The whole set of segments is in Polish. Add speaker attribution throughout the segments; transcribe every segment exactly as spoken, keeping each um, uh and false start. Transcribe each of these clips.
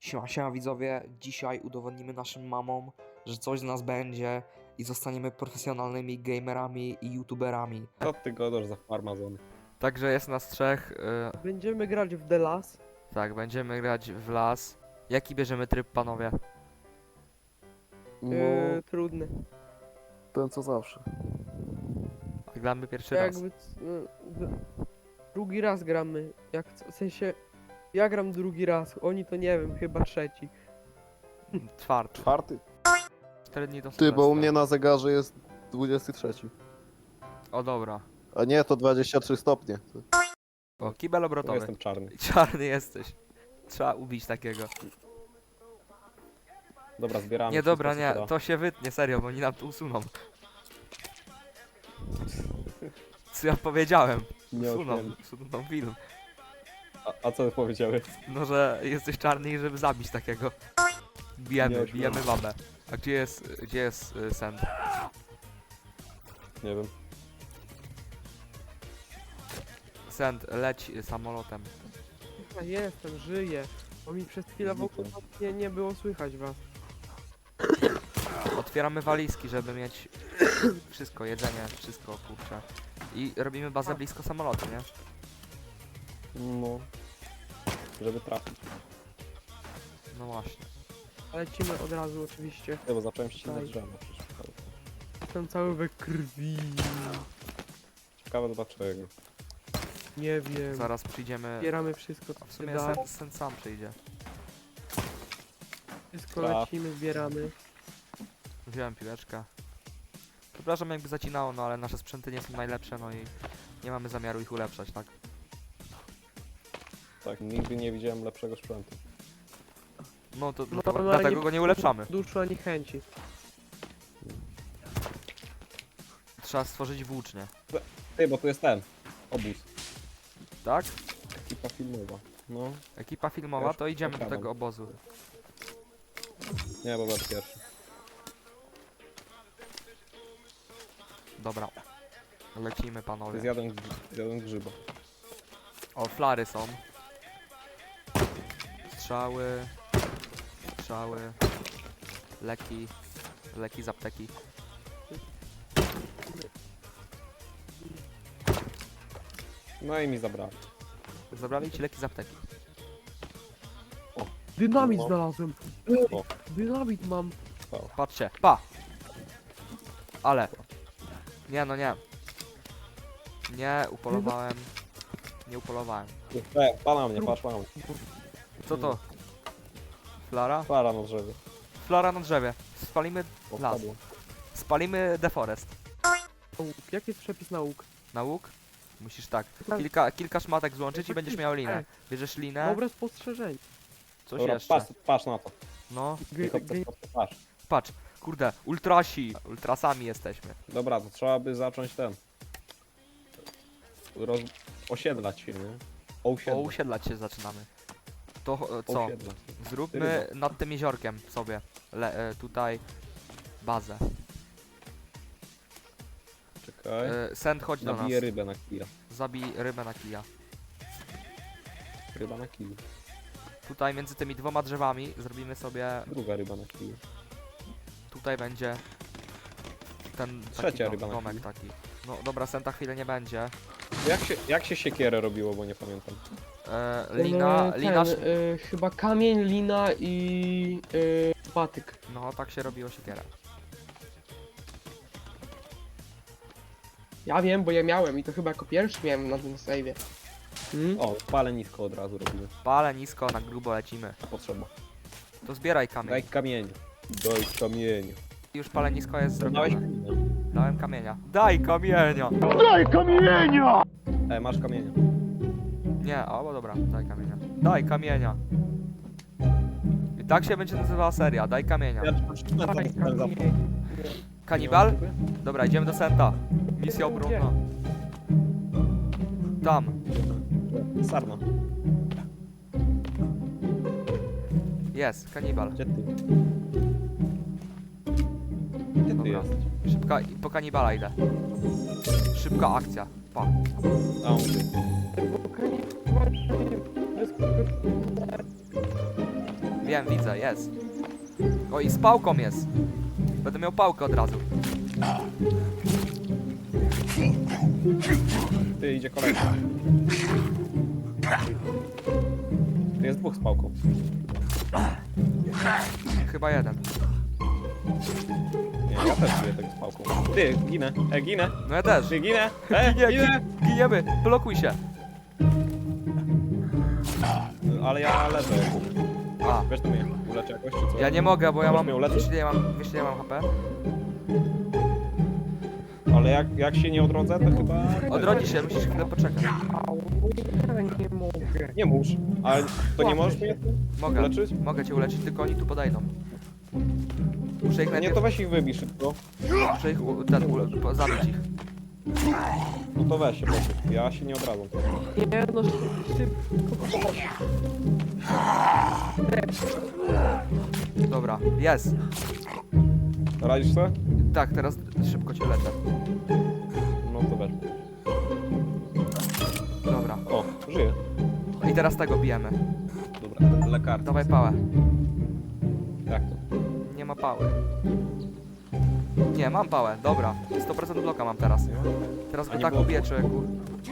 Speaker 1: Siema, siema widzowie, dzisiaj udowodnimy naszym mamom, że coś z nas będzie i zostaniemy profesjonalnymi gamerami i youtuberami.
Speaker 2: Co ty godasz za farmazony?
Speaker 1: Także jest nas trzech, yy,
Speaker 3: Będziemy grać w The Last.
Speaker 1: tak, będziemy grać w las. Jaki bierzemy tryb, panowie?
Speaker 2: No,
Speaker 3: Yy, trudny.
Speaker 2: ten co zawsze.
Speaker 1: Gramy pierwszy raz.
Speaker 3: Jakby c- no, d- drugi raz gramy. Jak c- w sensie ja gram drugi raz, oni to nie wiem, chyba trzeci.
Speaker 1: Czwarty.
Speaker 2: Czwarty?
Speaker 1: Cztery dni do
Speaker 2: Ty, bo u
Speaker 1: Sylwestra.
Speaker 2: mnie na zegarze jest dwudziesty trzeci.
Speaker 1: O dobra.
Speaker 2: A nie, to dwadzieścia trzy stopnie.
Speaker 1: O, kibel
Speaker 2: To
Speaker 1: obrotowy.
Speaker 2: jestem czarny.
Speaker 1: Czarny jesteś. Trzeba ubić takiego.
Speaker 2: Dobra, zbieramy.
Speaker 1: Nie,
Speaker 2: wszystko,
Speaker 1: dobra,
Speaker 2: co
Speaker 1: nie,
Speaker 2: się da.
Speaker 1: to się wytnie, serio, bo oni nam to usuną. Co ja powiedziałem?
Speaker 2: Nie
Speaker 1: Usuną,
Speaker 2: odmienię.
Speaker 1: usuną film.
Speaker 2: A, a co powiedziałeś?
Speaker 1: No, że jesteś czarny i żeby zabić takiego. Bijemy,
Speaker 2: Nie
Speaker 1: bijemy
Speaker 2: ośmiałem.
Speaker 1: babę. A gdzie jest, gdzie jest y, Send?
Speaker 2: Nie wiem.
Speaker 1: Send, leć y, samolotem.
Speaker 3: Ja jestem, żyję. Bo mi przez chwilę w ogóle nie, nie było słychać was.
Speaker 1: Otwieramy walizki, żeby mieć wszystko, jedzenie, wszystko, kurczę. I robimy bazę blisko samolotu, nie?
Speaker 2: No. Żeby trafić.
Speaker 1: No właśnie.
Speaker 3: Lecimy od razu oczywiście.
Speaker 2: Nie, bo zacząłem ścinać
Speaker 3: Daj.
Speaker 2: drzewo. przecież.
Speaker 3: Jestem cały we krwi.
Speaker 2: Ciekawe dlaczego.
Speaker 3: Nie wiem.
Speaker 1: Zaraz przyjdziemy...
Speaker 3: Zbieramy wszystko
Speaker 1: A
Speaker 3: co
Speaker 1: w
Speaker 3: się
Speaker 1: sumie
Speaker 3: da.
Speaker 1: Send, Send sam przyjdzie.
Speaker 3: Wszystko
Speaker 2: Tak.
Speaker 3: lecimy, zbieramy.
Speaker 1: Wziąłem piłeczkę. Przepraszam jakby zacinało, no ale nasze sprzęty nie są najlepsze, no i nie mamy zamiaru ich ulepszać, tak?
Speaker 2: Tak, nigdy nie widziałem lepszego sprzętu.
Speaker 1: No to
Speaker 3: No,
Speaker 1: dlatego,
Speaker 3: ale
Speaker 1: dlatego go nie ulepszamy.
Speaker 3: Duszu ani chęci.
Speaker 1: Trzeba stworzyć włócznie.
Speaker 2: Ty, bo tu jest ten. Obóz.
Speaker 1: Tak?
Speaker 2: Ekipa filmowa. No.
Speaker 1: Ekipa filmowa,
Speaker 2: Już
Speaker 1: to idziemy do
Speaker 2: okradam.
Speaker 1: tego obozu.
Speaker 2: Nie, bo będę pierwszy.
Speaker 1: Dobra. Lecimy,
Speaker 2: Ty
Speaker 1: panowie.
Speaker 2: zjadłem, grz- zjadłem grzyba.
Speaker 1: O, flary są. Strzały. Strzały. Leki. Leki z apteki.
Speaker 2: No i mi zabrali.
Speaker 1: Zabrali ci leki z apteki.
Speaker 3: Dynamit
Speaker 2: No.
Speaker 3: znalazłem.
Speaker 2: O.
Speaker 3: Dynamit mam.
Speaker 1: Patrzcie. Pa! Ale. Nie, no nie. Nie, upolowałem. Nie upolowałem.
Speaker 2: E, pana mnie, patrz, pana mnie.
Speaker 1: Co to? Flara?
Speaker 2: Para na drzewie.
Speaker 1: Flara na drzewie. Spalimy
Speaker 2: O,
Speaker 1: las.
Speaker 2: wpadło.
Speaker 1: Spalimy deforest.
Speaker 3: Łuk. Jaki jest przepis na łuk?
Speaker 1: Na łuk? Musisz tak. Kilka, kilka szmatek złączyć i będziesz miał linę. Bierzesz linę,
Speaker 3: Dobre spostrzeżenie.
Speaker 1: coś
Speaker 2: Dobra,
Speaker 1: jeszcze.
Speaker 2: patrz, patrz na to.
Speaker 1: No,
Speaker 3: Gry,
Speaker 2: Tylko
Speaker 3: gry,
Speaker 2: patrz.
Speaker 1: patrz. Kurde, ultrasi. Ultrasami jesteśmy.
Speaker 2: Dobra, to trzeba by zacząć ten. Roz... Osiedlać się, nie?
Speaker 1: O,
Speaker 2: Osiedlać.
Speaker 1: usiedlać się zaczynamy. To e, co?
Speaker 2: Osiedlać.
Speaker 1: Zróbmy nad tym jeziorkiem sobie. Le, e, tutaj bazę.
Speaker 2: Czekaj.
Speaker 1: E, Send, chodź do nas.
Speaker 2: Nabiję rybę na kija.
Speaker 1: Zabij rybę na kija.
Speaker 2: Ryba na kiju.
Speaker 1: Tutaj między tymi dwoma drzewami zrobimy sobie.
Speaker 2: Druga ryba na kiju.
Speaker 1: Tutaj będzie ten taki
Speaker 2: Trzecia
Speaker 1: dom,
Speaker 2: ryba na
Speaker 1: domek
Speaker 2: kiju.
Speaker 1: taki. No dobra, Senta chwilę nie będzie.
Speaker 2: Jak się, jak się siekierę robiło, bo nie pamiętam.
Speaker 1: E,
Speaker 3: Ten,
Speaker 1: lina,
Speaker 3: ten,
Speaker 1: lina.
Speaker 3: y, chyba kamień, lina i y, patyk.
Speaker 1: No tak się robiło siekierę.
Speaker 3: Ja wiem, bo ja miałem i to chyba jako pierwszy miałem na tym save'ie. Hmm?
Speaker 2: O, palę nisko od razu robimy.
Speaker 1: Pale nisko, na grubo lecimy.
Speaker 2: A potrzeba.
Speaker 1: To zbieraj kamień.
Speaker 2: Daj kamień. Daj kamień.
Speaker 1: Już pale nisko jest
Speaker 2: Dałeś
Speaker 1: zrobione.
Speaker 2: kamienia.
Speaker 1: Dałem kamienia. Daj kamienia!
Speaker 2: E, masz kamienia.
Speaker 1: Nie, o, bo dobra, daj kamienia. Daj kamienia. I tak się będzie nazywała seria, daj kamienia.
Speaker 2: Ja przeczytałem tam ten zapach.
Speaker 1: Kanibal? Dobra, idziemy do Senta. Misja obronna. Tam.
Speaker 2: Sarna.
Speaker 1: Jest, kanibal.
Speaker 2: Gdzie ty? Gdzie ty
Speaker 1: Dobra.
Speaker 2: jesteś?
Speaker 1: Szybka, i po kanibala idę. Szybka akcja. Pa.
Speaker 2: A, on tu.
Speaker 3: Bo kamień-
Speaker 1: wiem, widzę, jest. O, i z pałką jest. Będę miał pałkę od razu.
Speaker 2: Ty, idzie kolejny. Tu jest dwóch z pałką.
Speaker 1: Chyba jeden.
Speaker 2: Nie, ja też żyję tego z pałką. Ty, ginę, e, ginę,
Speaker 1: No ja też.
Speaker 2: ty, ginę, e,
Speaker 1: Ginie,
Speaker 2: ginę!
Speaker 1: gi- giniemy, blokuj się.
Speaker 2: Ale ja leżę.
Speaker 1: A,
Speaker 2: Wiesz to mnie, uleczę jakoś, czy co?
Speaker 1: ja nie mogę, bo ja
Speaker 2: Możesz
Speaker 1: mam...
Speaker 2: mnie uleczyć?
Speaker 1: Wiesz ile ja mam, wiesz ile ja mam H P?
Speaker 2: Ale jak, jak się nie odrodzę, to chyba...
Speaker 1: Odrodzi się, musisz chwilę poczekać.
Speaker 3: Au, ja nie mogę.
Speaker 2: Nie musz, ale to nie możesz mnie
Speaker 1: Mogę,
Speaker 2: uleczyć?
Speaker 1: mogę cię uleczyć, tylko oni tu podejdą. Muszę ich
Speaker 2: Nie,
Speaker 1: najpierw...
Speaker 2: to weź ich wybij szybko.
Speaker 1: Muszę ich u, ten, u, po- zabić ich.
Speaker 2: No to weź się, proszę. Ja się nie odradzam.
Speaker 3: Nie no, szybko.
Speaker 1: Dobra, jest.
Speaker 2: Radzisz sobie?
Speaker 1: Tak, teraz szybko cię leczę.
Speaker 2: No to weź.
Speaker 1: Dobra.
Speaker 2: O, żyję.
Speaker 1: I teraz tego bijemy.
Speaker 2: Dobra, lekarz.
Speaker 1: Dawaj pałę.
Speaker 2: Jak to?
Speaker 1: Nie ma pały. Nie, mam pałę, dobra. sto procent bloka mam teraz. Teraz
Speaker 2: A
Speaker 1: go
Speaker 2: nie
Speaker 1: tak
Speaker 2: było-
Speaker 1: ubiję, człowieku.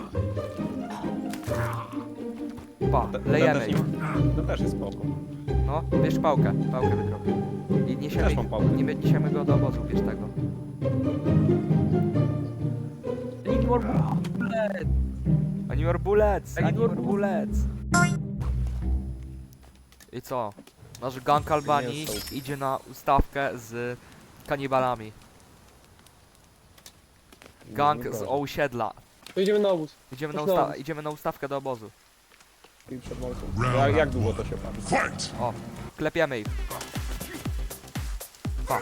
Speaker 1: Pa,
Speaker 2: Te- ten
Speaker 1: lejemy
Speaker 2: też
Speaker 1: ich.
Speaker 2: nie- Ten też jest spoko.
Speaker 1: No, bierz pałkę, pałkę wydrobię. I niesiemy,
Speaker 2: Też mam pałkę.
Speaker 1: nie niesiemy go do obozu, bierz tego.
Speaker 3: Need more bullet.
Speaker 1: Ani more bullets,
Speaker 3: I need
Speaker 1: ani
Speaker 3: more
Speaker 1: more bullets. I co? Nasz gang Albanii
Speaker 2: Mięso.
Speaker 1: idzie na ustawkę z kanibalami. Gang
Speaker 2: No
Speaker 1: z
Speaker 2: dobra.
Speaker 1: osiedla.
Speaker 3: To idziemy na obóz.
Speaker 1: Idziemy na,
Speaker 3: Chodź na
Speaker 1: usta
Speaker 3: obóz.
Speaker 1: idziemy na ustawkę do obozu.
Speaker 2: I przed walką. Jak, jak długo to się pali?
Speaker 1: O, klepiemy ich. Pa.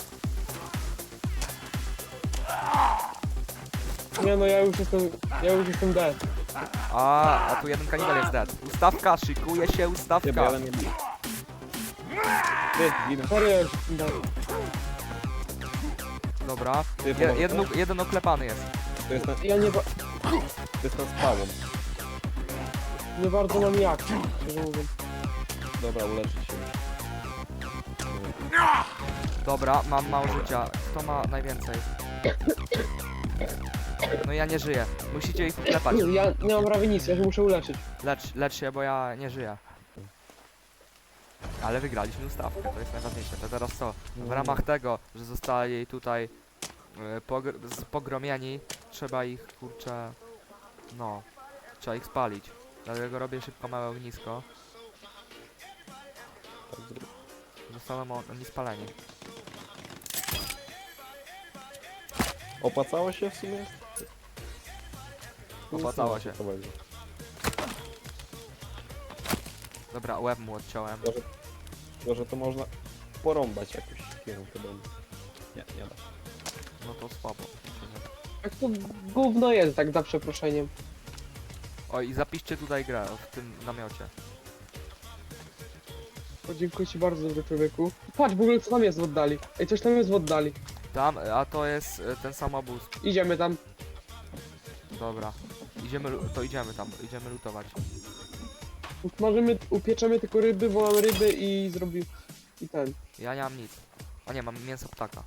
Speaker 3: Nie no, ja już jestem, ja już jestem dead.
Speaker 1: A, a tu jeden kanibal jest dead. Ustawka, szykuje się
Speaker 2: Ty, bo
Speaker 1: ustawka.
Speaker 2: jeden nie bije. Ty, ginę.
Speaker 3: Serio, ja już jestem dead.
Speaker 1: Dobra.
Speaker 2: Ty,
Speaker 1: Je,
Speaker 2: pomożesz?
Speaker 1: jeden, jeden oklepany jest.
Speaker 2: To jest ten,
Speaker 3: Ja nie, ba
Speaker 2: to jest ten z pałą.
Speaker 3: nie bardzo mam jak, szczerze mówiąc.
Speaker 2: Dobra, uleczyć się.
Speaker 1: Dobra, mam mało życia. Kto ma najwięcej? No ja nie żyję. Musicie ich klepać.
Speaker 3: Ja nie mam prawie nic, ja się muszę uleczyć.
Speaker 1: Lecz, lecz się, bo ja nie żyję. Ale wygraliśmy ustawkę, to jest najważniejsze. To teraz co? W ramach tego, że zostali tutaj y, pogr z- pogromieni, trzeba ich, kurczę, no, trzeba ich spalić. Dlatego robię szybko małe ognisko.
Speaker 2: Tak zrób.
Speaker 1: Zostaną on- oni spaleni.
Speaker 2: Opłacało się w sumie?
Speaker 1: Opłacało się.
Speaker 2: To będzie.
Speaker 1: Dobra, łeb mu odciąłem.
Speaker 2: Tylko, że, tylko, że to można porąbać jakoś kierunkę domu. Nie, nie da.
Speaker 1: No to słabo.
Speaker 3: Jak to gówno jest, tak za przeproszeniem.
Speaker 1: O, i zapiszcie tutaj grę w tym namiocie.
Speaker 3: O, dziękuję ci bardzo, dobry człowieku. Patrz w ogóle co tam jest w oddali. Ej, coś tam jest w oddali.
Speaker 1: Tam, a to jest y, ten sam obóz.
Speaker 3: Idziemy tam.
Speaker 1: Dobra. Idziemy, lu- to idziemy tam, idziemy lutować.
Speaker 3: Możemy, upieczemy tylko ryby, bo mam ryby i zrobi... I ten.
Speaker 1: Ja nie mam nic. A nie, mam mięso ptaka.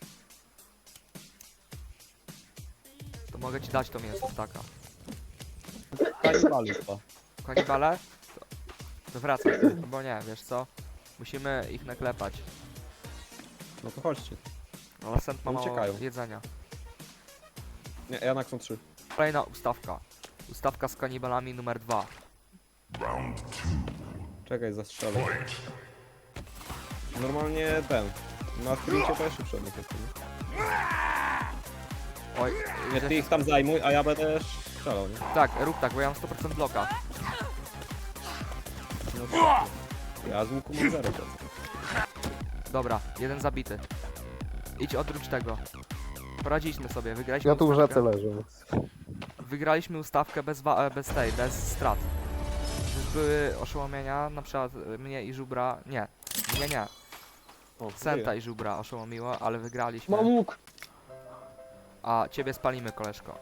Speaker 1: To mogę ci dać to mięso ptaka.
Speaker 2: Kanibali chyba.
Speaker 1: Kanibale? To, to wracaj, bo nie, wiesz co? Musimy ich naklepać.
Speaker 2: No to chodźcie.
Speaker 1: Ale Sent ma mało
Speaker 2: Uciekają.
Speaker 1: jedzenia.
Speaker 2: Nie, Janak są trzy.
Speaker 1: Kolejna ustawka. Ustawka z kanibalami numer dwa.
Speaker 2: Czekaj, zastrzelę. Normalnie ten. Na sprincie to jeszcze przed nich jestem.
Speaker 1: Oj,
Speaker 2: Nie, ty ich tam zajmuj, a ja będę strzelał, nie?
Speaker 1: tak, rób tak, bo ja mam sto procent bloka.
Speaker 2: No to, ja z łuku mam zero procent.
Speaker 1: Dobra, jeden zabity. Idź odwróć tego. Poradziliśmy sobie, wygraliśmy
Speaker 4: Ja tu w
Speaker 1: ustawkę.
Speaker 4: rzece leżę.
Speaker 1: Wygraliśmy ustawkę bez, wa- e, bez tej, bez strat. Już były oszołomienia, na przykład e, mnie i Żubra, nie, mnie nie,
Speaker 2: O,
Speaker 1: Senta
Speaker 2: żyję.
Speaker 1: i Żubra oszołomiło, ale wygraliśmy.
Speaker 3: Mam łuk.
Speaker 1: A ciebie spalimy, koleżko.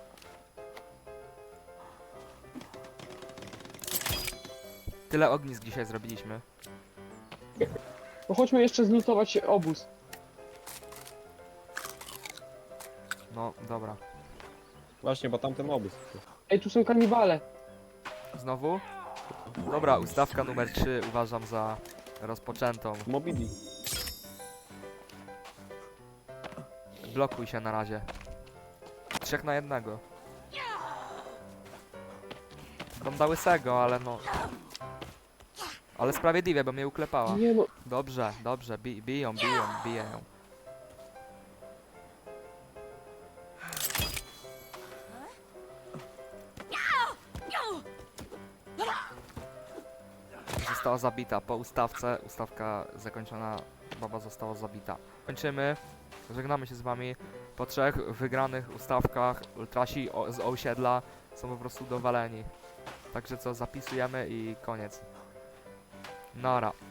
Speaker 1: Tyle ognisk dzisiaj zrobiliśmy.
Speaker 4: No chodźmy jeszcze zlutować obóz.
Speaker 1: No, dobra.
Speaker 2: Właśnie, bo tamten obóz.
Speaker 4: Ej, tu są kanibale.
Speaker 1: Znowu? Dobra, ustawka numer trzy uważam za rozpoczętą.
Speaker 2: Moby Dick.
Speaker 1: Blokuj się na razie. Trzech na jednego. Dam da łysego, ale no... Ale sprawiedliwie, bo mnie uklepała.
Speaker 4: Nie no,
Speaker 1: Dobrze, dobrze, bi biją, biją, biją. Została zabita po ustawce. Ustawka zakończona, baba została zabita. Kończymy. Żegnamy się z wami. Po trzech wygranych ustawkach ultrasi o, z osiedla są po prostu dowaleni. Także co, zapisujemy i koniec. Nara.